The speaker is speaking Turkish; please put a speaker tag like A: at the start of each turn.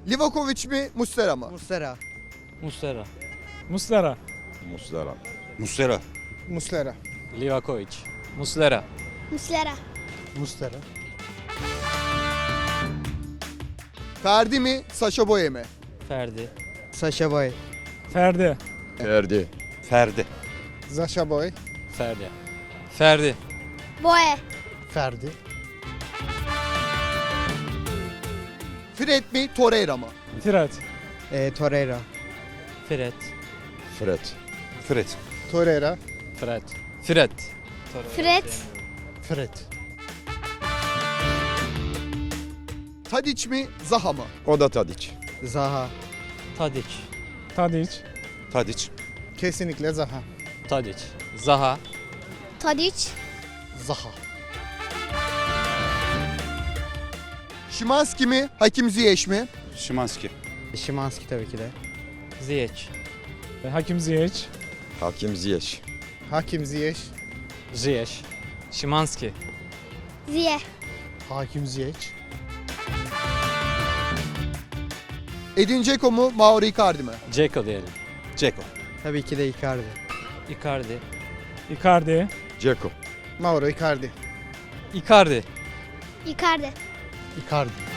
A: Livakovic mi Muslera mı?
B: Muslera.
C: Muslera.
D: Muslera.
E: Muslera.
F: Muslera.
B: Muslera.
C: Livakovic. Muslera.
G: Muslera.
B: Muslera.
A: Ferdi mi Sacha Boey mi?
C: Ferdi.
B: Sacha Boey.
D: Ferdi.
E: Ferdi.
F: Ferdi.
B: Sacha Boey.
C: Ferdi. Ferdi.
G: Boye.
B: Ferdi.
A: Fred mi Torreira mı?
D: Fred.
B: Torreira.
C: Fred.
E: Fred.
F: Fred.
B: Torreira.
C: Fred. Fred.
G: Fred.
B: Fred.
A: Tadic mi Zaha mı?
E: O da Tadic.
B: Zaha.
C: Tadic.
D: Tadic.
F: Tadic.
B: Kesinlikle Zaha.
C: Tadic. Zaha.
G: Tadic.
B: Zaha.
A: Szymański mi Hakim Ziyech mi?
F: Szymański.
B: Szymański tabii ki de.
C: Ziyech.
D: Hakim Ziyech.
E: Hakim Ziyech.
B: Hakim Ziyech.
C: Ziyech. Szymański.
G: Ziye.
B: Hakim Ziyech.
A: Edin Dzeko mu Mauro Icardi mi?
C: Dzeko diyelim.
F: Dzeko.
B: Tabii ki de Icardi.
C: Icardi.
D: Icardi.
E: Dzeko.
B: Mauro Icardi.
C: Icardi.
G: Icardi.
B: Icardi.